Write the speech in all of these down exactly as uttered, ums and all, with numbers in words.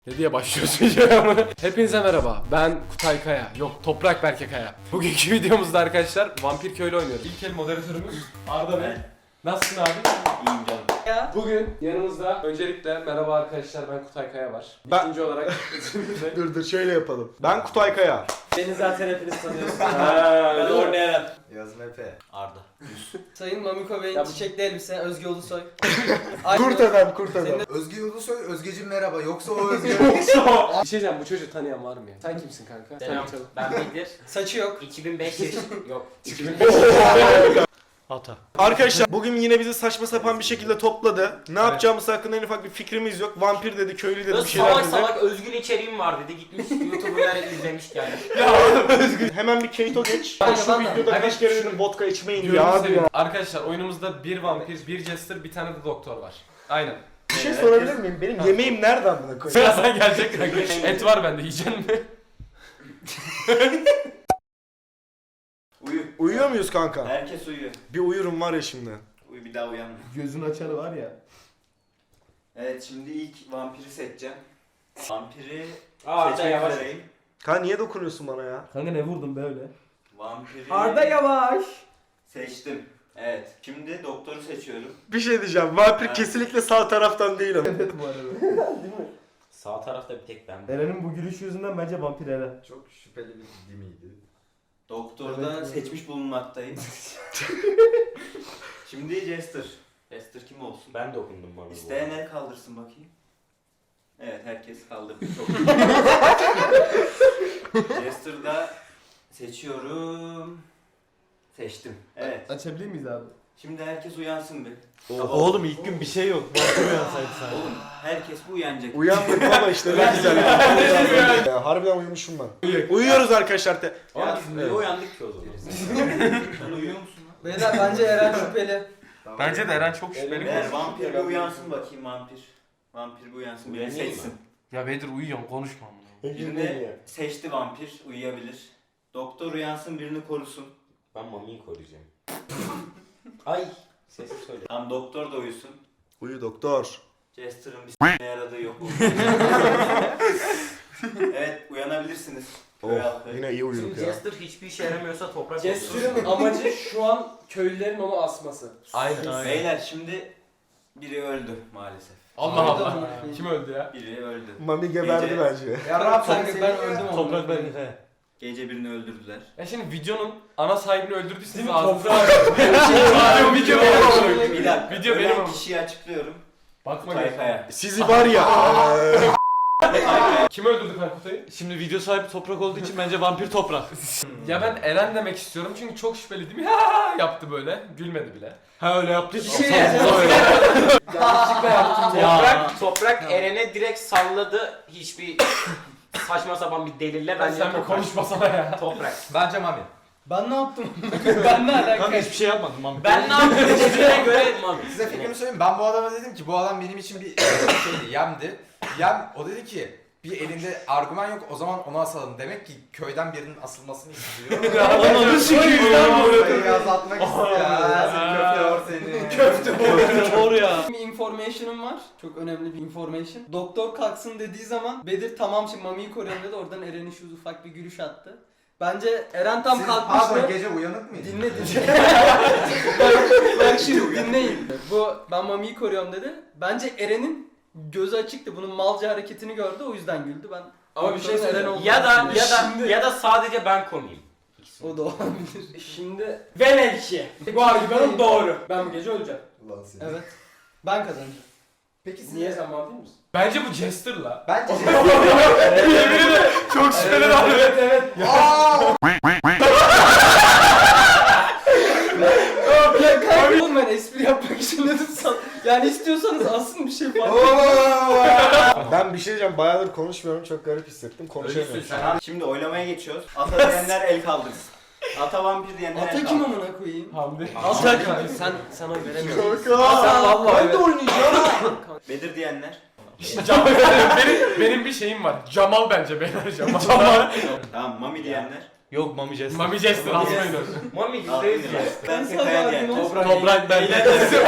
Ne diye başlıyorsun ya? Hepinize merhaba. Ben Kutay Kaya. Yok, Toprak Berke Kaya. Bugünkü videomuzda arkadaşlar Vampir Köylü oynuyoruz. İlk el moderatörümüz Arda Bey. Nasılsın abi? İyiyim canım. Ya. Bugün yanımızda öncelikle merhaba arkadaşlar, ben Kutay Kaya var. Ben- İkinci olarak Dur dur şöyle yapalım. Ben Kutay Kaya. Beni zaten hepiniz tanıyorsunuz. Ha, Ben Orne Eren. Yazım Efe. Arda. Sayın Mamiko Bey'in Ya bu- çiçekli elbise, Özge Ulusoy. Kurt adam kurt adam. Özge Ulusoy, Özgeciğim merhaba. Yoksa o Özge. bir şey diyeceğim, bu çocuğu tanıyan var mı ya? Sen kimsin kanka? Selam, Tanıtalım. ben Bedir. Saçı yok. iki bin beş yaş... Yok. Hata. Arkadaşlar bugün yine bizi saçma sapan bir şekilde topladı. Ne yapacağımız hakkında en ufak bir fikrimiz yok. Vampir dedi, köylü dedi, bir şeyler Salak dedi. salak özgün içeriğim var dedi. Gitmiş YouTuber'lar izlemiş yani. Hemen bir Keito geç. Ben Şu yalan da. videoda Hadi kaç kere şunu- dedim vodka içmeyin Gözünü ya. seveyim. Arkadaşlar oyunumuzda bir vampir, bir jester, bir tane de doktor var. Aynen. Bir şey sorabilir miyim? Benim yemeğim nereden buna koyayım? Birazdan gelecek kanka. Et var bende, yiyecek mi? Uyu. Uyuyor muyuz kanka? Herkes uyuyor. Bir uyurum var ya şimdi. Uyu bir daha uyanma. Gözün açarı var ya. Evet şimdi ilk vampiri seçeceğim. Vampiri Aa Arda seçmek yavaş. üzereyim. Kanka niye dokunuyorsun bana ya? Kanka ne vurdun böyle? Vampiri Arda yavaş. seçtim. Evet. Şimdi doktoru seçiyorum. Bir şey diyeceğim. Vampir Ha. kesinlikle sağ taraftan değil ama. Evet bu arada. Sağ tarafta bir tek ben. Eren'in bu gülüşü yüzünden bence vampir Eren. Çok şüpheli bir dimiydi. Doktorda Evet, seçmiş bulunmaktayım. Şimdi Jester. Jester kim olsun? Ben dokundum bana. İsteyen el kaldırsın bakayım. Evet herkes kaldırdı. Çok iyi. Jester'da seçiyorum. Seçtim. Evet. Açabilir miyiz abi? Şimdi herkes uyansın bir. Oğlum ilk gün bir şey yok. Vampir uyansaydı sen. Oğlum herkes bu uyanacak. Uyandık ama işte ne güzel. Ya, harbiden uyumuşum ben. Uyuyoruz arkadaşlar. Te- Ama biz niye Evet. uyandık ki o zaman? Sen uyuyor musun lan? Beyler bence Eren şüpheli. Bence de Eren çok şüpheli. Eğer vampir bir uyansın bakayım vampir. Vampir bir uyansın beni Uyanayım seçsin. Ya Bedir uyuyorsun, konuşma amına. Birini seçti vampir uyuyabilir. Doktor uyansın birini korusun. Ben Mami'yi koruyacağım. Ay. Sesi söyle. Tam doktor da uyusun. Uyu doktor. Jester'ın bir s***ne yaradığı yok. Evet uyanabilirsiniz. Köy Oh, halkı. yine iyi uyuduk Şimdi ya. Jester hiçbir işe yaramıyorsa toprak olsun. Jester'ın amacı şu an köylülerin onu asması. Aynen. Beyler şimdi biri öldü maalesef. Allah Allah. Kim öldü ya? Biri öldü. Mami geberdi Gece- bence. Ya Rab Kanka ben öldüm onu. Toprak ben he. Gece birini öldürdüler. Ya şimdi videonun ana sahibini öldürdüyseniz Değil mi? ağzınıza Toprağı- Video video benim ama. Bir dakika. Video benim ölen ama. kişiyi açıklıyorum. Bakma Kutay gel. Kaya. Sizi var ya. eee, Kim öldürdü kanka Kutay'ı? Şimdi video sahibi toprak olduğu için bence vampir toprak. Ya ben Eren demek istiyorum çünkü çok şüpheli değil mi? Ha yaptı böyle. Gülmedi bile. Ha öyle yaptı. Bir şey diyeceğim. Yanlışlıkla yaptım. Toprak, toprak Eren'e direkt salladı. Hiçbir saçma sapan bir delille Ben bence sen bir toprak. konuşmasana ya. Toprak. Bence Mami. Ben ne yaptım? ben ne Kanka alaka? hiçbir şey yapmadım vampir. Ben ne yaptım dediğine göre Mami. Size fikrimi söyleyeyim. Ben bu adama dedim ki bu adam benim için bir şeydi, yemdi. Yem, o dedi ki bir elinde argüman yok o zaman onu asalım. Demek ki köyden birinin asılmasını istiyor. Ananı sikeyim ya. Sayıyı azaltmak istiyor. Seni köfte seni. Köfte doğru ya. Bir information'ım var. Çok önemli bir information. Doktor kalksın dediği zaman Bedir tamam şimdi Mami'yi koruyorum dedi. Oradan Eren'in şu ufak bir gülüş attı. Bence Eren tam Siz kalkmıştı. pardon gece uyanık mıydın? Dinle dinle. bak, bak şimdi dinleyin. Bu ben Mami'yi koruyorum dedi. Bence Eren'in gözü açıktı. Bunun malca hareketini gördü o yüzden güldü. Ben Ama bir şey Doktorun söyleyeyim. Eren olduğunu Ya da ya düşünüyorum. da ya da sadece ben komiyim. O da olabilir. Şimdi velev ki bu argümanın doğru. Ben bu gece öleceğim. Ulan seni. Evet. Ben kazanacağım. Peki siz Niye sen vampir misin? Bence bu Jester'la. Bence Çok şüpheli davranıyor. Evet evet. Ya kanka oğlum ben espri yapmak için dedim sana. Yani istiyorsanız aslında bir şey fark Ben bir şey diyeceğim. Bayağıdır konuşmuyorum. Çok garip hissettim. Konuşamıyorum. Ölüsün sen. Tamam, şimdi oylamaya geçiyoruz. Ata diyenler el kaldırsın. Ata vampir diyenler el Ata kim kaldırsın. amına koyayım? Hamdi. Ata Sen sen oy veremiyorsun. Sen vallahi evet. oynayacağım. Bedir diyenler. Cam- benim, benim bir şeyim var. Camal bence beyler Camal. Camal. Tamam Mami diyenler. Yok Mami Jester. Mami Jester asmayın onu. Mami Al, yüzde yüz ya. Ben Nasıl Kaya abi, diye. nasıl? Toprak. Toprak belki.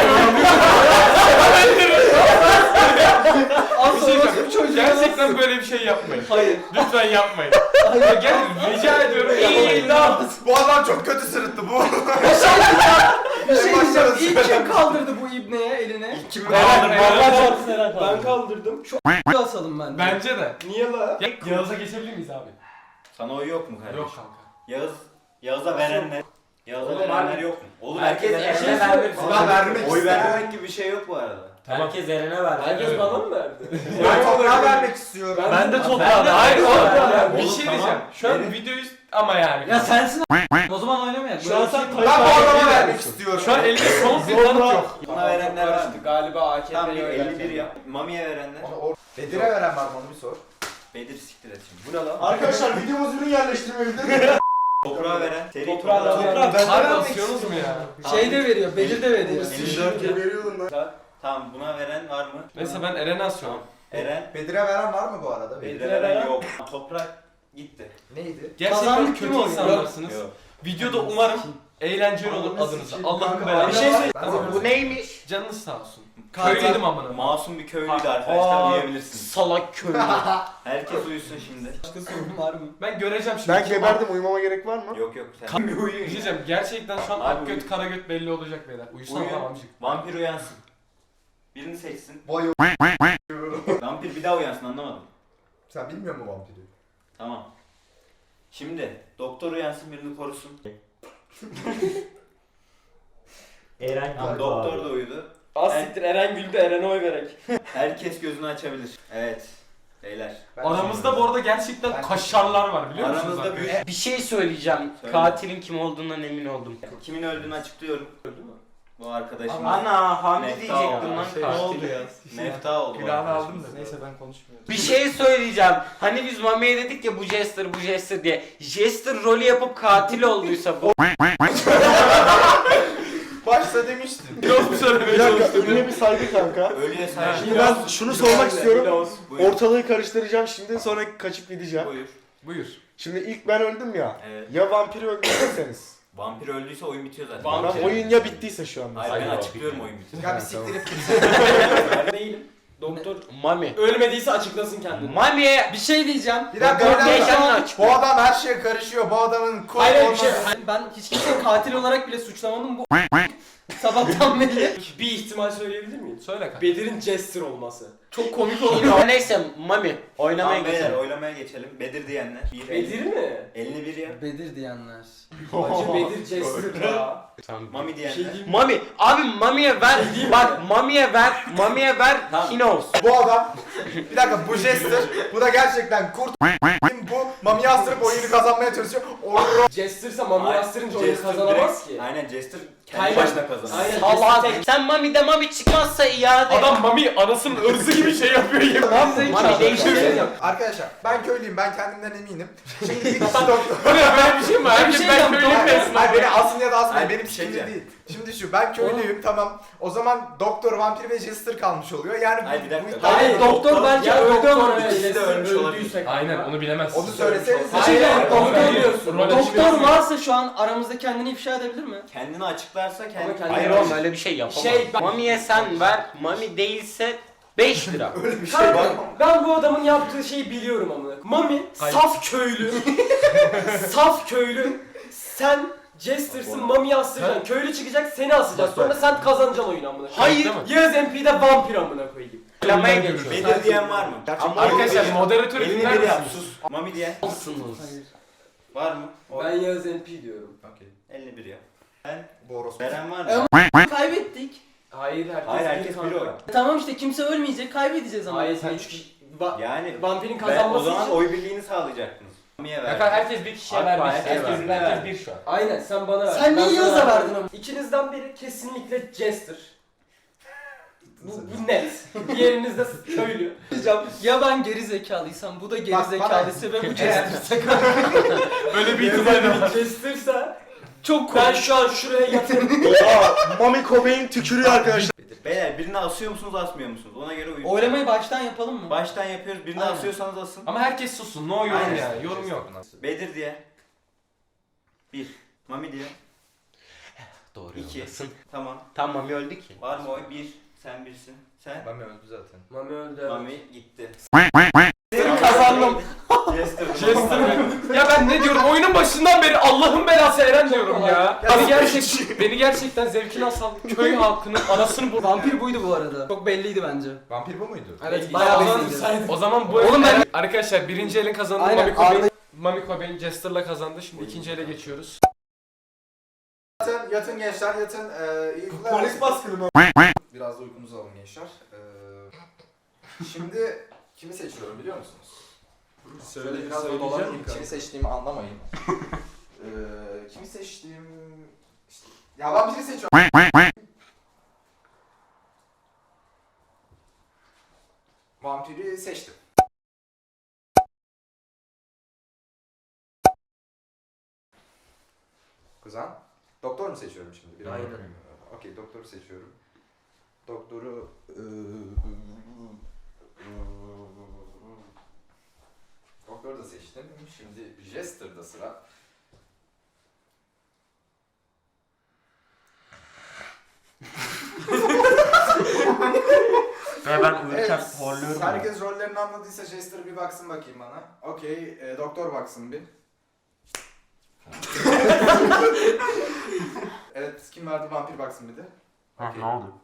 Az Bir şey sonra diyeceğim. bu çocuğu Gerçekten böyle bir şey yapmayın. Hayır. Lütfen yapmayın. Gel rica ediyorum yapmayın. Bu adam çok kötü sırıttı bu. Bir şey diyeceğim. Başlarız. İlk kim kaldırdı bu ibneye eline? Kim Eren, Eren. Allah çarpsın Eren Ben kaldırdım. Şu asalım ben. Bence de. Niye la? Ya, Yağız'a geçebilir miyiz abi? Sana oy yok mu kardeşim? Yok kanka. Yağız, Yağız'a verenler. Yağız'a Oğlum verenler abi, yok mu? Oğlum herkes herkes Eren'e vermek Ben vermek Oy istedim. vermemek gibi bir şey yok bu arada. Herkes Eren'e verdi. Herkes bana mı verdi? Ben toprağa vermek istiyorum. Ben de Ben toprağa de- Hayır Oğlum, oğlum tamam. bir Oğlum, şey tamam. diyeceğim. Şu an Benim- videoyu ama yani. Ya sensin o zaman oynamayak. Şu an sen Ben bu adama vermek istiyorum. Şu an elimde son bir tanık yok. Buna verenler var mı? Galiba A K Tamam bir P'ye elli bir yap. Mami'ye verenler. Onu or- Bedir'e veren var mı onu bir sor. Bedir siktir et şimdi. Bu ne lan? Arkadaşlar videomuz ürün yerleştirmeyi Toprağa veren. Seri Toprağa toprağa veren. veren. Ben de Harbi vermek asıyorsunuz mu ya? Şey de veriyor, Bedir de veriyor. elli dört veriyordum ben. Tamam buna veren var mı? Mesela ben Eren'i asıyorum. Eren. Bedir'e veren var mı bu arada? Bedir'e veren yok. Toprak gitti. Neydi? Gerçekten Kazandık kötü kim oynuyor? insanlarsınız. Yok. Videoda umarım eğlenceli olur adınıza. Allah'ın belanı. Bir şey söyle. Bu neymiş? Canınız sağ olsun. Katil- Köylüydüm amına. Masum bir köylüydü arkadaşlar Aa, uyuyabilirsiniz. Salak köylü. Herkes uyusun şimdi. Başka sorun var mı? Ben göreceğim şimdi. Ben kim- geberdim, uyumama gerek var mı? Yok yok sen bir Bir uyuyun. şey diyeceğim. Gerçekten şu an Abi ak göt uyu. kara göt belli olacak beyler. Uyusana Uyu. lan amcık. Vampir uyansın. Birini seçsin. Vay o- Vampir bir daha uyansın anlamadım. Sen bilmiyor musun vampiri? Tamam. Şimdi doktor uyansın birini korusun. Eren Tamam, doktor da uyudu. Az siktir Eren güldü, Eren'e oy verek. Herkes gözünü açabilir. Evet. Beyler. Ben Aramızda bu arada gerçekten Ben- kaşarlar var biliyor musunuz? Aranızda arkadaşlar? büyük... Bir şey söyleyeceğim. Söyle. Katilin kim olduğundan emin oldum. Kimin öldüğünü açıklıyorum. Öldü mü? Bu arkadaşım. Ana Hamdi Mefta diyecektim oldu. lan Şey, katil. ne oldu ya? Mefta oldu. bu Günahını aldım arkadaşımız. da. Neyse ben konuşmuyorum. Bir şey söyleyeceğim. Hani biz Mami'ye dedik ya bu Jester bu Jester diye. Jester rolü yapıp katil olduysa bu. Başta demiştim. Yok mu söylemeye Bir dakika, çalıştım? ölüye bir saygı kanka. Ölüye saygı. Şimdi ben şunu sormak istiyorum. Buyur. Ortalığı karıştıracağım şimdi, sonra kaçıp gideceğim. Buyur. Buyur. Şimdi ilk ben öldüm ya. Evet. Ya vampiri öldürürseniz. Vampir öldüyse oyun bitiyor zaten. Vampir- Tamam, oyun ya bittiyse şu an. Hayır ben Hayır, açıklıyorum oyun bitiyor. Ya bir siktirip Değilim. Doktor Mami. ölmediyse açıklasın kendini. Mami'ye Bir şey diyeceğim. Bir dakika, Doktor bir dakika. kendini aç. Bu adam her şeye karışıyor. Bu adamın kul Hayır bir şey. olması- Hayır, ben hiç kimseyi katil olarak bile suçlamadım bu sabahtan beri. Bir ihtimal söyleyebilir miyim? Söyle kanka. Bedir'in Jester olması. Çok komik oluyor. Neyse Mami oynamaya Tamam beyler geçelim. oylamaya geçelim. Bedir diyenler. Bir, Bedir mi? Elini bir yap. Bedir diyenler. Acı Bedir Jester ya. Mami diyenler. Mami abi Mami'ye ver. Bak Mami'ye ver. Mami'ye ver. Tamam. He knows. Bu adam, bir dakika bu Jester, bu da gerçekten kurt bu Mami'yi astırıp oyunu kazanmaya çalışıyor. O Jester'sa Mami Hayır, astırınca oyunu Jester kazanamaz direkt- ki. Aynen Jester kendi Aynen. başına kazanır. Aynen. Salak. Sen Mami'de Mami çıkmazsa iade. Adam Mami anasının ırzı gibi şey yapıyor yemin. Mami değiştir. Arkadaşlar ben köylüyüm, ben kendimden eminim. Şimdi bir kişi doktor. Bu ne böyle bir şey mi? Herkes şey ben yaptım. köylüyüm Hayır, desin. hayır, beni asın ya da asmayın, Hayır, benim bir şey fikrim diyeceğim. değil. Şimdi şu, ben köylüyüm tamam. O zaman doktor, vampir ve jester kalmış oluyor. Yani bu- Hayır, bir dakika. bu iddia- Hayır doktor belki Ya öldü doktor ama ikisi de Jester ölmüş olabilir. öldüyse. Aynen onu bilemezsin. Onu söyleseniz. Hayır, Hayır, doktor hayır. diyorsun. Rol Doktor açıklasın. varsa şu an aramızda kendini ifşa edebilir mi? Kendini açıklarsa kendi... Ama kendi- Hayır oğlum öyle bir şey yapamaz. Şey, ben- Mami'ye sen ver. Mami değilse beş lira. Öyle bir şey var Kanka mı? ben bu adamın yaptığı şeyi biliyorum amına. Mami Hayır. saf köylü. Saf köylü. Sen Jester'sın, Mami'yi astıracaksın. Köylü çıkacak, seni asacak. Sonra sen kazanacaksın oyunu amına. Hayır. Değil mi? Yağız M P'de vampir amına koyayım. Oylamaya geçiyoruz. Bedir diyen var mı? Gerçekten- Arkadaşlar moderatör Elini dinler bir yap misiniz? sus. Mami diyen Olsunuz. var mı? O- Ben Yağız M P diyorum. Okey. elini bir yap. Ben... Bu orospu. Veren var Ama- mı? Kaybettik. Hayır herkes, Hayır herkes kanka. bir oy. Tamam işte kimse ölmeyecek, kaybedeceğiz ama. Hayır sen üç kişi... Va- Yani vampirin ben, o kazanması zaman için... oy birliğini sağlayacaktınız. Mami'ye ver. Yakar herkes bir kişiye Abi, vermiş. herkes Herkes, birbirine herkes ver. bir şu an. Aynen sen bana ver. Sen niye Ben sana Yağız'a verdim. verdin ama? İkinizden biri kesinlikle Jester. Bu, bu net. Diğeriniz de köylü. Diyeceğim. Ya ben geri zekalıysam, bu da geri Bak, zekalıysa ve bu Evet. Jester'sa Böyle bir ihtimal de var. Jester'sa çok ben şu an şuraya yatırım. Aa, Mami Cobain tükürüyor arkadaşlar. Beyler birini asıyor musunuz asmıyor musunuz? Ona göre uyun. Oylamayı baştan yapalım mı? Baştan yapıyoruz. Birini Aynen. asıyorsanız asın. Ama herkes sussun. No yorum Aynen. yani. Yorum yok. Bedir diye. Bir. Mami diye. Doğru İki. yoldasın. Tamam. Tam Mami öldü ki. Var mı oy? Bir. Sen birsin. Sen? Mami öldü zaten. Mami öldü. Mami gitti. Kazandım. Jester. Jester mi? Ya ben ne diyorum? Oyunun başından beri Allah'ın belası Eren diyorum ya. Beni gerçek beni gerçekten zevkini asal köy halkının anasını bu. Vampir buydu bu arada. Çok belliydi bence. Vampir bu muydu? Evet, Bayağı bayağı o belliydi. zaman, o zaman bu Oğlum ben- Eren- arkadaşlar birinci elin kazandığı Aynen, Mami Cobain. Arda- Mami Cobain Jester'la kazandı. Şimdi ikinci ele geçiyoruz. Yatın, yatın gençler yatın. Ee, iyi uykular. Polis baskını mı? Biraz da uykunuzu alın gençler. Ee, şimdi kimi seçiyorum biliyor musunuz? Şöyle biraz da dolanayım. Kimi seçtiğimi anlamayın. ee, kimi seçtiğim... İşte, ya ben biri seçiyorum. Vampiri seçtim. Kuzen. Doktor mu seçiyorum şimdi? Bir Aynen. Okey, doktoru seçiyorum. Doktoru... Doktoru da seçtim. Şimdi Jester'da sıra. Ve ben uyurken Evet, horluyorum. herkes rollerini anladıysa Jester bir baksın bakayım bana. Okey, e, doktor baksın bir. Evet, kim verdi vampir baksın bir de. Ha, Okey. ne oldu?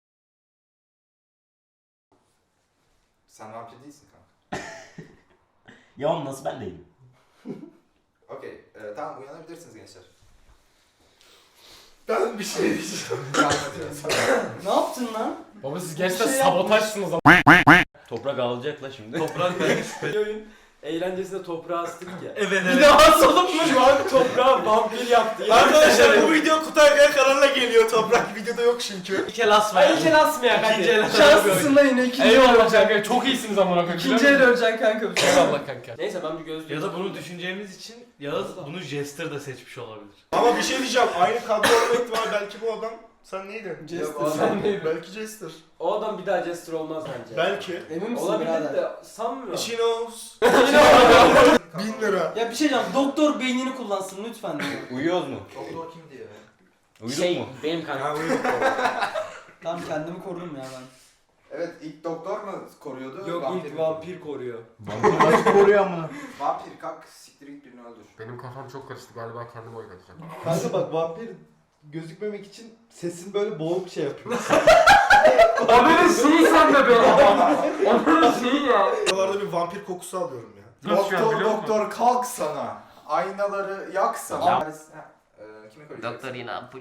Sen vampir değilsin kanka. Ya oğlum nasıl ben değilim? Okey, e, tamam uyanabilirsiniz gençler. Ben bir şey diyeceğim. Ne yaptın lan? Baba siz gerçekten Bir şey sabotajsınız ama. Toprak ağlayacak la şimdi. Toprak ben. Oyun eğlencesinde toprağa astık ya. Evet Bir evet. daha asalım mı? Şu an toprağa vampir yaptı. Arkadaşlar bu video Kutay Kaya kanalına geliyor. Toprak videoda yok çünkü. İki el asma Ay ya. iki el asmayak İkinci el hadi. asmayak. Şanslısın lan yine ikinci el Eyvallah öleceksin. kanka çok iyisiniz amına koyayım. İkinci el öleceksin kanka. Eyvallah kanka. Neyse ben bir gözlüğüm. Ya da bunu düşüneceğimiz için Yağız bunu Jester da seçmiş olabilir. Ama bir şey diyeceğim. Aynı kadro olma ihtimali belki bu adam. Sen neydin? Jester. Yok, sen neydin? Belki Jester. O adam bir daha Jester olmaz bence. Belki. Emin misin Olabilir de sanmıyorum. She knows. Bin lira. Ya bir şey diyeceğim. Doktor beynini kullansın lütfen. Uyuyoruz mu? Doktor kimdi ya? Uyuduk Şey, mu? benim kanka. Ha uyuduk. Tamam kendimi korudum ya ben. Evet, ilk doktor mu koruyordu? Yok vampir ilk mi vampir koruyor. Vampir nasıl koruyor amına? koruyordu? Vampir kalk siktir git birini öldür. Benim kafam çok karıştı galiba kendime oy katacağım. Kanka bak vampir gözükmemek için sesin böyle boğuk şey yapıyor. Onun şeyi sen de be. Onun şeyi ya. Buralarda bir vampir kokusu alıyorum ya. Nasıl ya, Doktor biliyor musun? doktor kalk sana. Aynaları yak sana. Ya. Ha, e, kimi koruyacaksın? Doktor yine ampul.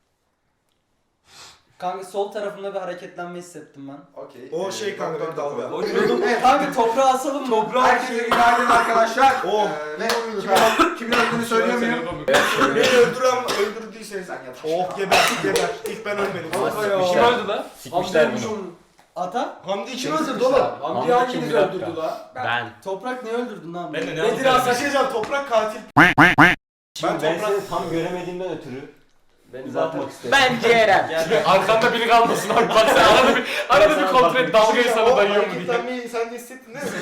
Kanka sol tarafımda bir hareketlenme hissettim ben. Okey. O e, şey kanka, doktor bir dalga. da O koruyor. evet, kanka toprağa asalım mı? Toprağa Herkese günaydın arkadaşlar. Oh. Ee, ve kimin, kimin öldüğünü söyleyemiyorum. Beni öldüren öldürdüyse Sen yat. oh geber geber. İlk ben ölmedim. Kim öldü lan? Sikmişler bunu. Ata? Hamdi kim öldürdü oğlum? Hamdi Hamdi hanginiz kim bir dakika? öldürdü la? Ben. Toprak ne öldürdün lan? Ben de ne Bedir yapayım? Bir Asar. şey diyeceğim, toprak katil. Ben, Ben ben toprak... seni tam göremediğimden ötürü Beni zaten uzatmak istedim. Bence Eren. Arkanda biri kalmasın abi bak sen arada bir arada bir kontrol et dalgayı sana dayıyor mu diye. Hareketlenmeyi sen de hissettin değil mi?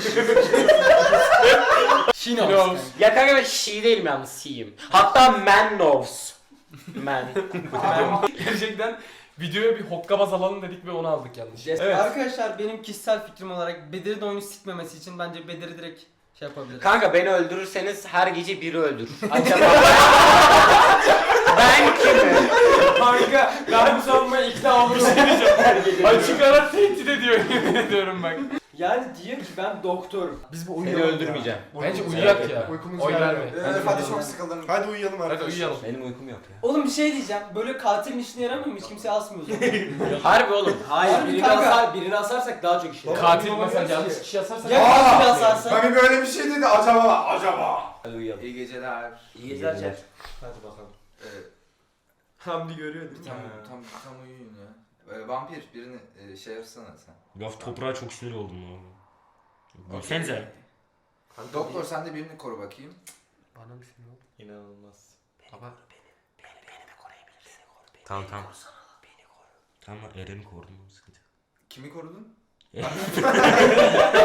Şino. Knows. Ya kanka ben she değilim yalnız she'yim. Hatta man knows. Man. Gerçekten videoya bir hokkabaz alalım dedik ve onu aldık yanlış. Evet. Arkadaşlar benim kişisel fikrim olarak Bedir'in oyunu sikmemesi için bence Bedir'i direkt şey yapabiliriz. Kanka beni öldürürseniz her gece biri öldür. Acaba ben kimim? Kanka ben bu savunmaya ikna olurum. Açık ara tehdit ediyor yemin ediyorum bak. Yani diyor ki ben doktorum. Biz bu Seni uyuyalım öldürmeyeceğim. Bence uyuyak ya. Uykumuz Oy geldi. verme. Ee, hadi çok sıkıldım. Hadi uyuyalım Hadi arkadaşlar. uyuyalım. Benim uykum yok ya. Oğlum bir şey diyeceğim. Böyle katilin işine yaramıyor mu? Hiç kimse asmıyor o zaman. Harbi oğlum. Hayır Harbi birini, kanka. asar, birini asarsak daha çok işe yarar. Katil mesela yanlış kişi yazarsa Ya katili asarsa? Mami böyle bir şey dedi acaba acaba. Hadi uyuyalım. İyi geceler. İyi geceler chat. Hadi bakalım. Evet. Hamdi görüyordur. Tam, tam, tam uyuyun ya. Ee, vampir birini e, şey yapsana sen. Ya toprağa çok sinir oldum ya. Okey. Gülsenize. Doktor sen de birini koru bakayım. Bana bir şey yok. İnanılmaz. Baba. Tamam tamam. Tamam Eren'i korudum. Sıkıntı yok. Kimi korudun?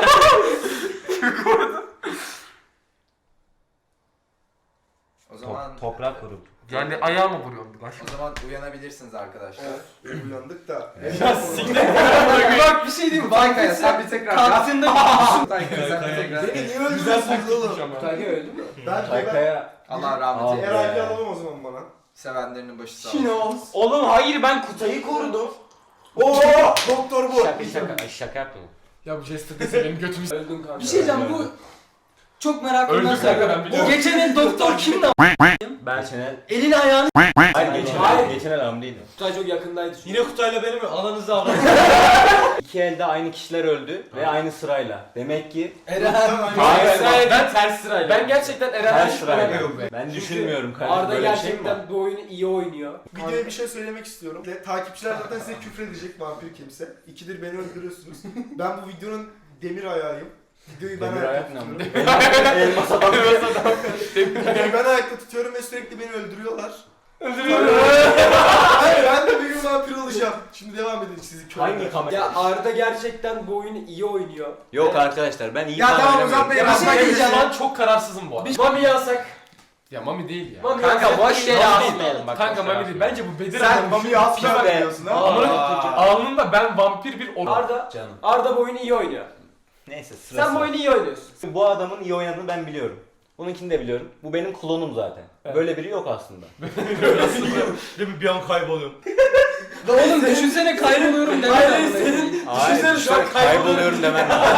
O zaman Toprak grubu. Yani ayağıma vuruyorum bir O zaman uyanabilirsiniz arkadaşlar. Uyandık da. Ya siktir. Bak bir şey diyeyim mi? Taykaya sen bir tekrar yap. Kantinde bir Taykaya sen bir tekrar. Beni niye Güzel öldürüyorsunuz taktikmiş oğlum? ama. Taykaya öldü mü? Ben ben Taykaya. Allah rahmet eylesin. R I P alalım o zaman bana. Sevenlerinin başı sağ olsun. Şinos. Oğlum hayır ben Kutay'ı korudum. Oo doktor bu. Şaka şaka ay, şaka yaptım. Ya bu Jester dese benim götümü s- Öldün kanka. Bir şey diyeceğim bu çok merakımdan Öldü kanka, ben soruyorum. biliyorum. Geçen el doktor kimdi? Ben Şenel. Elini ayağını Hayır geçen Hayır. el, geçen el hamleydi. Kutay çok yakındaydı. Yine Kutay'la benim ananızı avradınız. İki elde aynı kişiler öldü ve aynı sırayla. Demek ki Eren. Hayır, Hayır, ben- ters sırayla. Ben gerçekten Eren'den ters sırayla. şüpheleniyorum. Ben Çünkü düşünmüyorum kardeşim. Arda Böyle bir şey mi var? gerçekten bu oyunu iyi oynuyor. Videoya bir şey söylemek istiyorum. De, takipçiler zaten size küfredecek vampir kimse. İkidir beni öldürüyorsunuz. Ben bu videonun demir ayağıyım. Videoyu ben Demir ayakta ayak ne tutuyorum. ama? Elmas adam. Videoyu ben ayakta tutuyorum ve sürekli beni öldürüyorlar. Öldürüyorum. Hayır ben de bir gün vampir olacağım. Şimdi devam edin sizi köyden. Hangi kamera? Ya Arda gerçekten bu oyunu iyi oynuyor. Yok arkadaşlar ben iyi Ya falan tamam, oynamıyorum. uzatmayın. Ya bir şey diyeceğim. Şu an çok kararsızım bu arada. Bir Mami yazsak. Ya Mami değil ya. Mami Kanka yazsak. boş yere Mami değil. asmayalım bak. Kanka boş yere Mami değil. asmayalım. Bence bu Bedir Sen adam. Mami'yi asla be. diyorsun ha. Amına alnında ben vampir bir or. Arda, Canım. Arda bu oyunu iyi oynuyor. Neyse sırası. Sen bu oyunu iyi oynuyorsun. Bu adamın iyi oynadığını ben biliyorum. Bununkini de biliyorum. Bu benim klonum zaten. Böyle biri yok aslında. Değil mi? Bir an kayboluyorum. Oğlum düşünsene kayboluyorum deme. Hayır, senin- Hayır, Düşünsene şu an şöyle kayboluyorum demem lazım.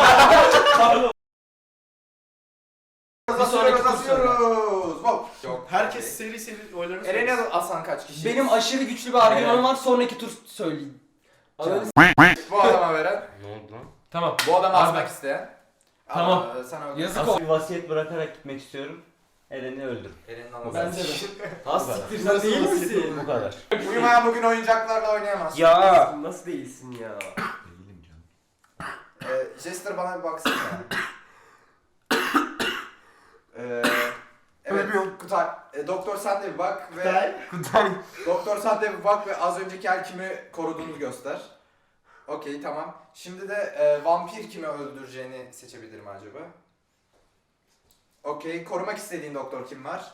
Bir sonraki tur Kazanıyoruz. Hop. Yok. Herkes seri seri oylarını Eren'i söylesin. asan kaç kişi? Benim aşırı güçlü bir argümanım var. Sonraki tur söyleyeyim. Anladın mı? Bu adama veren. Ne oldu lan? Tamam. Bu adamı Arda. asmak isteyen. Tamam. Aa, Sana öldür. Yazık Asıl bir vasiyet bırakarak gitmek istiyorum. Eren'i öldür. Eren'in anası. Bence de. Ha Siktir sen değil misin? Bu kadar. Uyumayan bugün oyuncaklarla oynayamaz. Ya. Nasıl değilsin ya? Değilim canım. Ee, Jester bana bir baksana. ee, evet Kutay. E, doktor sen de bir bak ve Kutay. doktor sen de bir bak ve az önceki el kimi koruduğunu göster. Okey tamam. Şimdi de e, vampir kimi öldüreceğini seçebilirim acaba. Okey. Korumak istediğin doktor kim var?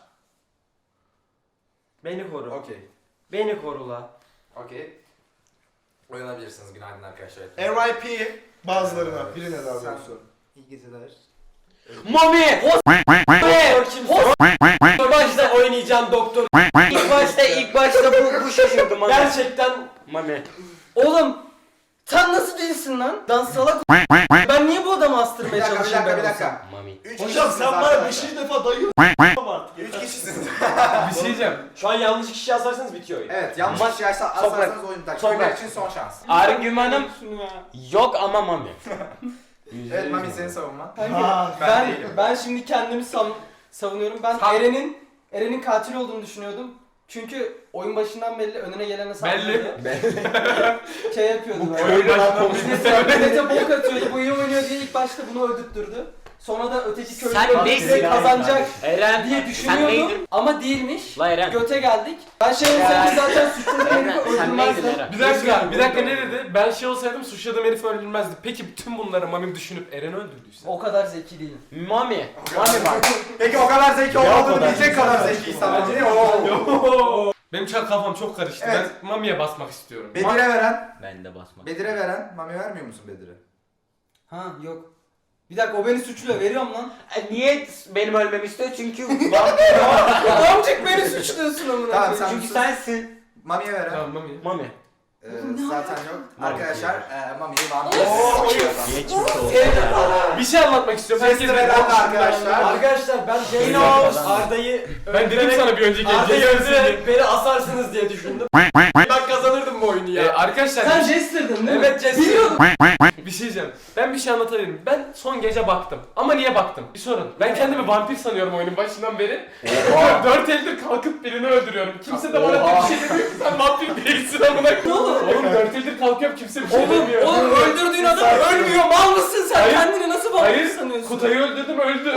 Beni koru. Okey. Beni koru la. Okey. Uyanabilirsiniz. Günaydın arkadaşlar. R I P bazılarına. Birine daha Sen- doğrusu. İyi geceler. Mami! Doktor kimsin? İlk başta oynayacağım doktor. İlk başta ilk başta bu, bu şaşırdı Mami. Gerçekten. Mami. Oğlum. Sen nasıl değilsin lan? Lan salak. Ben niye bu adamı Bir astırmaya dakika bir çalışıyorum dakika bir ben dakika. Mami. Üç Hocam kişisiniz sen bana arkadaşlar. beşinci defa dayıyorsun artık. Üç kişisiniz. Bir şey diyeceğim. Şu an yanlış kişi yazarsanız bitiyor oyun. Evet yanlış kişi yazarsa- asarsanız oyun biter. Toprak. Kimler için son şans. Argümanım yok ama Mami. Evet Mami senin savunman. Kanka, ben ben değilim. ben şimdi kendimi sav- savunuyorum. Ben Tamam. Eren'in Eren'in katil olduğunu düşünüyordum. Çünkü oyun başından belli önüne gelene saldırıyordu. Şey yapıyordu böyle. Oyun başından Millete, millete bok atıyordu. Bu iyi oynuyor diye ilk başta bunu öldürttürdü. Sonra da öteki köylü Sen direkt neysin? kazanacak Eren diye sen düşünüyordum. neydin? Ama değilmiş. La Eren. Göte geldik. Ben şey olsaydım zaten suçlu herifi Eren sen neydin öldürmezdim. Eren? Bir dakika, bir dakika ne dedi? Ben şey olsaydım suçladığım herif öldürmezdi. Peki bütün bunları Mami düşünüp Eren'i öldürdüyse? O kadar zeki değilim. Mami. Mami bak. Peki o kadar zeki olmadığını bilecek kadar zeki sadece. Oo. Benim çok kafam çok karıştı. Evet. Ben Mami'ye basmak istiyorum. Bedir'e veren. Ben de basmak. Bedir'e veren. Mami vermiyor musun Bedir'e? Ha yok. Bir dakika o beni suçluyor. Veriyorum lan. E, Niye benim ölmemi istiyor? Çünkü Amcık beni suçluyorsun amına Tamam, koyayım. sen- çünkü sensin. Mami'ye veren. Tamam Mami. Mami. Ee, zaten yok. Mami. Arkadaşlar e, Mami'yi vampir. Geçmiş olsun. Bir şey anlatmak istiyorum. Herkes Jester veren de arkadaşlar. Arkadaşlar ben Jane Yine- Arda'yı Ben dedim sana bir önceki Arda'yı gece öldürerek beni asarsınız diye düşündüm. Ben kazanırdım bu oyunu Ee, ya. arkadaşlar Sen Jester'dın değil mi? Evet, Jester. Biliyordum. bir şey diyeceğim. Ben bir şey anlatabilirim. Ben son gece baktım. Ama niye baktım? Bir sorun. Ben kendimi vampir sanıyorum oyunun başından beri. Dört eldir kalkıp birini öldürüyorum. Kimse de bana bir şey demiyor ki sen vampir değilsin amına koyayım. Oğlum. Oğlum dört eldir kalkıyorum kimse bir şey Oğlum, demiyor. oğlum öldürdüğün adam ölmüyor. Mal mısın sen? Hayır. Kendini nasıl vampir Hayır, sanıyorsun? Kutay'ı öldürdüm öldü.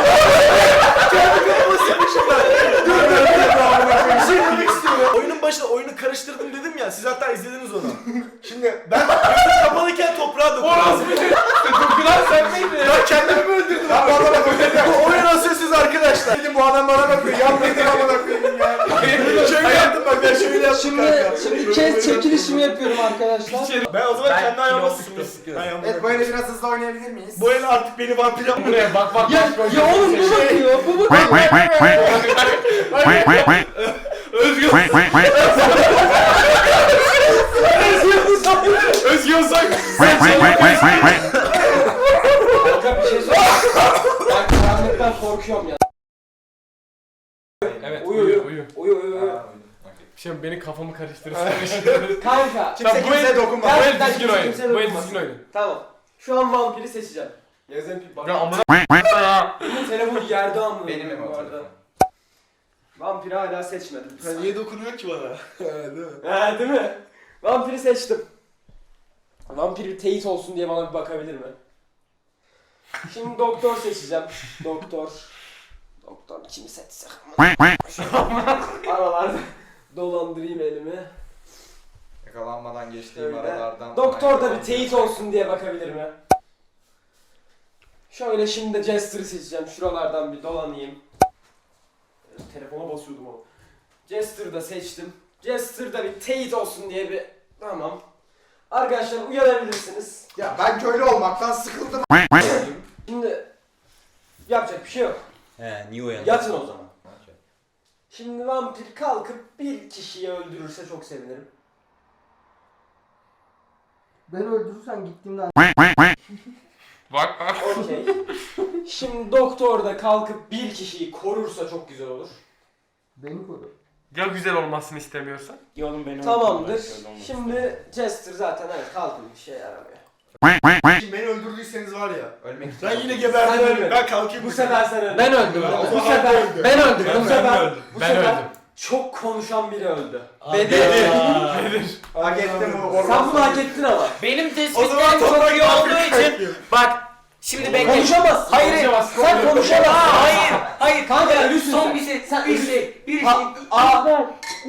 Bir şey demek istiyorum. Oyunun başında oyunu karıştırdım dedim ya. Siz hatta izlediniz onu. Şimdi ben gözüm kapalıyken toprağa dokundum. Orası bir şey. Dokunan sen miydin? Ben kendimi mi öldürdüm? Ben bu adama koyacağım. Bu oyun asılsız arkadaşlar. Dedim bu adam bana bakıyor. Yan dedim amına koyayım. Şimdi şimdi kes çekilişimi yapıyorum arkadaşlar. Ben o zaman Ben kendi ayağıma kilosunu sıktım. istiyorum. Ayağıma Evet bu ele biraz hızlı oynayabilir miyiz? Bu el artık beni vampir yapmıyor. Buraya bak bak Ya, bak. ya oğlum bu bakıyor, bu bakıyor. Özgür. Özgür Ozan. Kanka bir şey söyleyeyim. Ben karanlıktan korkuyorum ya. Evet Uyu, uyu uyu. uyu. Uyu uyu uyu. Şimdi beni kafamı karıştırırsın. Kanka. Kimse bu kimseye el- dokunma. Bu el Gerçekten düzgün kimse oyun. kimseye Bu el dokunmaz. düzgün oyun. Tamam. Şu an vampiri seçeceğim. Yazın bir bak. Ya amına Bunun telefonu yerde amına. Benim mi bu o arada. telefon? Vampiri hala seçmedim. Sen niye dokunuyor ki bana? He, değil mi? He değil mi? Vampiri seçtim. Vampir bir teyit olsun diye bana bir bakabilir mi? Şimdi doktor seçeceğim. Doktor. Doktor kimi seçsek? Aralarda dolandırayım elimi. Yakalanmadan geçtiğim Öyle. aralardan. Doktor da bir teyit olsun diye bakabilir mi? Şöyle şimdi de Jester'ı seçeceğim. Şuralardan bir dolanayım. Telefona basıyordum ama. Jester'ı da seçtim. Jester da bir teyit olsun diye bir... Tamam. Arkadaşlar uyanabilirsiniz. Ya ben köylü olmaktan sıkıldım. Şimdi yapacak bir şey yok. He niye uyandın? Yatın o zaman. Şimdi vampir kalkıp bir kişiyi öldürürse çok sevinirim. Beni öldürürsen gittiğimde Bak bak. Okey. Şimdi doktor da kalkıp bir kişiyi korursa çok güzel olur. beni koru. Ya güzel olmasını istemiyorsan? Ya oğlum beni Tamamdır. öldürme, şöyle olmaz. Şimdi Jester zaten evet kalkın bir şey yaramıyor. Şimdi beni öldürdüyseniz var ya. Ölmek Ben yine Sen geberdim. ölmedin. Ben kalkayım. Bu sefer sen öldün. Ben öldüm. O Bu zaman sefer öldü. Ben öldüm. bu değil mi? sefer öldüm. bu Ben sefer öldüm. çok konuşan biri öldü. Bedir. Hak ettim o. Sen bunu hak ettin ama. Benim O zaman tespitlerim çok toprak iyi olduğu için bak şimdi bekle. Konuşamazsın. Hayır, Konuşamazsın. Sen konuşamazsın. Aa, hayır, hayır Kanka, kanka, ölüsün son sen. bir şey, Sen bir ölüsün. şey, bir şey. Ha, aa.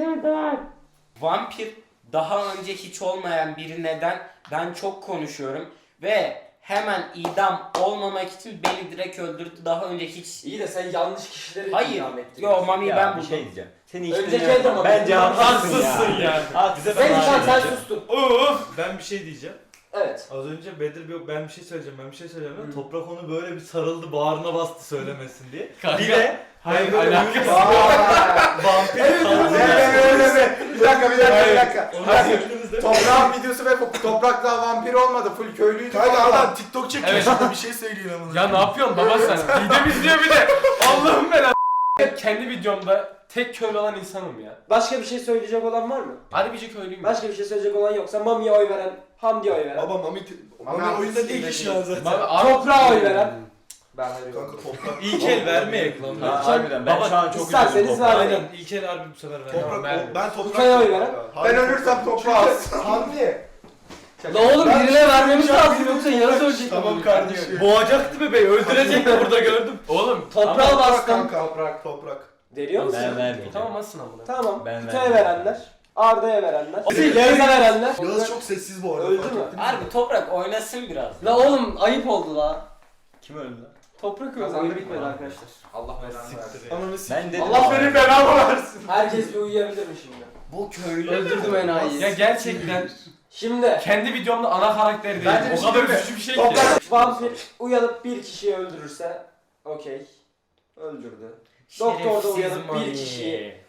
Vampir daha önce hiç olmayan biri neden ben çok konuşuyorum ve hemen idam olmamak için beni direkt öldürdü. Daha önce hiç İyi de sen yanlış kişileri hayır. idam ettin. Yo mami Ya, ben bir buldum. şey diyeceğim. Seni hiç Önceki dinlemiyorum. adam ama. Bence haksızsın Haksızsın ya. ya. Haksızsın. Sen sen sen diyeceğim. sustun. Ben bir şey diyeceğim. Evet. Az önce Bedir bir ben bir şey söyleyeceğim. Ben bir şey söyleyeceğim. Hı. Toprak onu böyle bir sarıldı, bağrına bastı söylemesin diye. Kanka. Bir de hayır böyle alakası uyuz- yok. vampir kaldı. Öyle mi? Bir dakika bir dakika bir dakika. Onu Bir dakika. söylediğinizde Toprağın videosu ve toprak daha vampir olmadı. Full köylüydü. Kanka vallahi. adam TikTok çekiyor Evet. şurada bir şey söylüyor ama. Ya ne yapıyorsun baba sen? Videom izliyor bir de. Allah'ım ben kendi videomda tek köylü olan insanım ya. Başka bir şey söyleyecek olan var mı? Harbici köylüyüm. Başka bir şey söyleyecek olan yoksa Mami'ye oy veren, Hamdi'ye oy veren, Baba Mami, Mami Mami oyunda değil ki şu an zaten. Abi, abi, Toprağa oy veren. Ben veriyorum. Kanka toprak. ilk el vermeyek lan. Ha, harbiden ben Baba, şu an çok isterseniz üzüldüm. ver. Aynen ilk el harbi bu sefer ver. Toprak, Ben- ben toprak. Ufaya oy veren. Ben ölürsem toprağa alsın. Hamdi. La oğlum Ben- birine vermemiz lazım yoksa yarısı ölecek. Tamam kardeşim. Boğacaktı bebeği, öldürecekti burada gördüm. Oğlum. Toprağa Toprak bastım. kanka. Toprak. Toprak. Veriyor musun? Ben vermeyeceğim. Tamam asın amına. Tamam. Ben Kutaya vermem. verenler, Arda'ya verenler, Yağız'a verenler. Yağız çok sessiz bu arada. Öldü fark mü? ettiniz mi? Harbi toprak oynasın biraz. La oğlum ayıp oldu la. Kim öldü lan? Toprak öldü. Oyun bitmedi arkadaşlar. Allah belanı versin. Ananı s***. Ben dedim. Allah benim belamı versin. Herkes bir uyuyabilir mi şimdi? Bu köylü. Öldürdüm enayiyi. Ya gerçekten Şimdi kendi videomda ana karakter değil. Bence bir O şey kadar değil mi? üzücü bir şey ki. Toprak vampir uyanıp bir kişiyi öldürürse okey. Öldürdü. Doktor da uyanıp bir kişiyi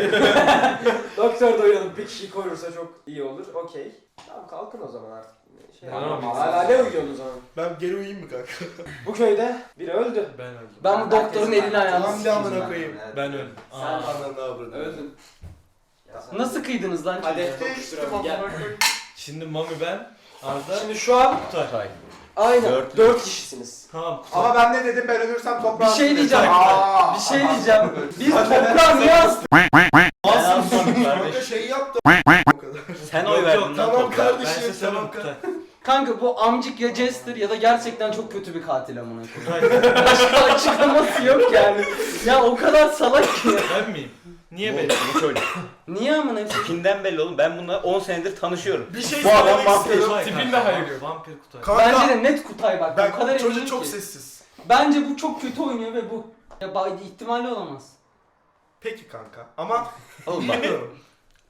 Doktor da uyanıp bir kişiyi korursa çok iyi olur. Okey. Tamam kalkın o zaman artık. Şey, Tamam. hala ne uyuyorsunuz o zaman? Ben geri uyuyayım mı kanka? Bu köyde biri öldü. Ben öldüm. Ben bu doktorun elini ayağını Hamdi amına koyayım. Ben öldüm. Sen- Aa. Ananı avradım. Öldün. Nasıl kıydınız lan? Hadi tokuşturalım gel. Şimdi Mami ben, Arda, Şimdi şu an Kutay. aynen Dört. dört kişisiniz. Tamam Kutay. Ama ben ne dedim ben ölürsem toprağa Bir şey alsın. diyeceğim. Aa. Bir şey diyeceğim. Biz toprağı niye astık? Kanka şey yaptı. O kadar. Sen Yok, oy verdin yok, lan Tamam toprağa. Ben kardeşim size tamam söyleyeyim kanka. Kutay. Kanka bu amcık ya Jester ya da gerçekten çok kötü bir katil amına koyayım. Kutay. Başka açıklaması yok yani. Ya o kadar salak ki. Ben miyim? Niye Bu, benim? bu çocuk. Niye amına? Tipinden belli oğlum. Ben bununla on senedir tanışıyorum. Bir şey Bu adam söylemek vampir. istiyorum. Tipin de hayır yok. Vampir Kutay. Kanka Bence de net Kutay bak. ben o kadar eminim çocuk çok ki. sessiz. Bence bu çok kötü oynuyor ve bu. Ya ba- ihtimali olamaz. Peki kanka ama Oğlum bak. bilmiyorum.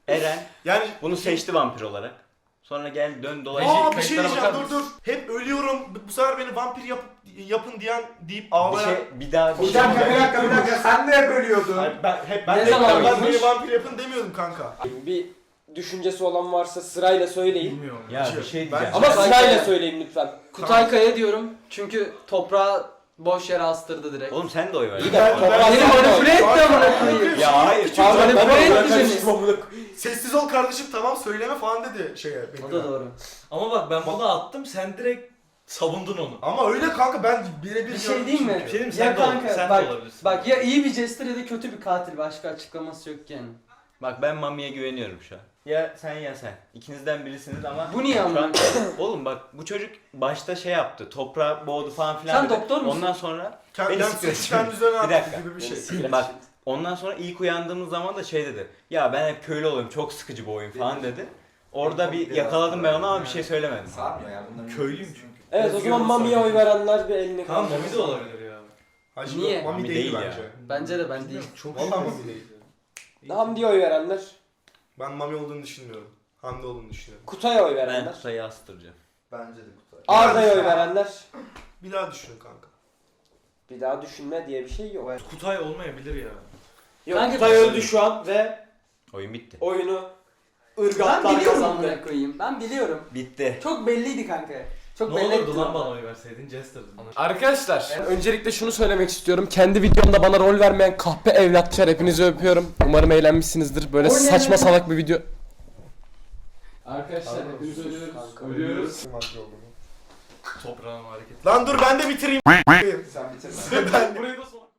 Eren Yani bunu seçti vampir olarak. Sonra gel dön dolaş. Aa bir şey kayıtlara diyeceğim bakar dur dur. Hep ölüyorum. Bu- Bu sefer beni vampir yap, yapın diyen deyip Bir ağlayan. şey bir daha bir Bir şey. dakika bir dakika bir dakika sen de hep ölüyordun. Hayır, ben hep ben Ne de zaman ben olmuş? beni vampir yapın demiyordum kanka. Bir düşüncesi olan varsa sırayla söyleyin. Bilmiyorum. Ya bir şey diyeceğim. Ben- Ama Kutay sırayla Kaya. söyleyin lütfen. Kutay Kaya diyorum çünkü toprağı boş yere astırdı direkt. Oğlum sen de oy ver. İyi de toprağı Beni sen koy. manipüle etti amına koyayım. Ya hayır. Pardon Manipüle ben etti ben beni. karıştım amına. Sessiz ol kardeşim tamam söyleme falan dedi şeye. O da doğru. Ama bak ben bunu attım sen direkt savundun onu. Ama öyle kanka ben birebir Bir şey diyeyim mi? Bir şey diyeyim mi? Ya Sen de ol- kanka, sen de bak, olabilirsin. Bak ya iyi bir jester ya da kötü bir katil, başka açıklaması yok yani. Bak ben Mami'ye güveniyorum şu an. Ya sen ya sen. İkinizden birisiniz ama Bu niye şu amına? an oğlum bak bu çocuk başta şey yaptı. Toprağı boğdu falan filan. Sen dedi. doktor musun? Ondan sonra Kendi, Beni yani sıkıyor suçu şimdi. kendi üzerine Bir attı dakika. gibi bir şey. bak ondan sonra ilk uyandığımız zaman da şey dedi. Ya ben hep köylü oluyorum. Çok sıkıcı bu oyun falan dedi. Orada bir yakaladım ben onu ama bir şey söylemedim. Sarmıyor ya bunların. Köylüyüm çünkü. Evet o zaman Mami'ye oy verenler bir elini Tamam kaldırsın. Mami de olabilir ya. Hacı Niye? yok, Mami Mami değil, değil ya. bence. Bence de ben değil. Vallahi Mami değil. Hamdi'ye oy verenler. Ben Mami olduğunu düşünmüyorum. Hamdi olduğunu düşünüyorum. Kutay'a oy Ben verenler. Kutay'ı astıracağım. Bence de Kutay. Arda'ya oy verenler. Bir daha düşün kanka. Bir daha düşünme diye bir şey yok. Kutay olmayabilir ya. Yok Kanka- Kutay öldü şu an ve Oyun bitti. oyunu Ben ırgatlar biliyorum kazandı. amına koyayım. Ben biliyorum. Bitti. Çok belliydi kanka. Çok Ne belli olurdu ettin lan ama. bana oy verseydin Jester'dın. Arkadaşlar öncelikle şunu söylemek istiyorum. Kendi videomda bana rol vermeyen kahpe evlatçılar hepinizi öpüyorum. Umarım eğlenmişsinizdir. Böyle O ne saçma lan? salak bir video. Arkadaşlar hepinizi ölüyoruz. Kanka. Ölüyoruz. Toprağın hareketi. Lan dur ben de bitireyim. Sen bitirme. Burayı da son.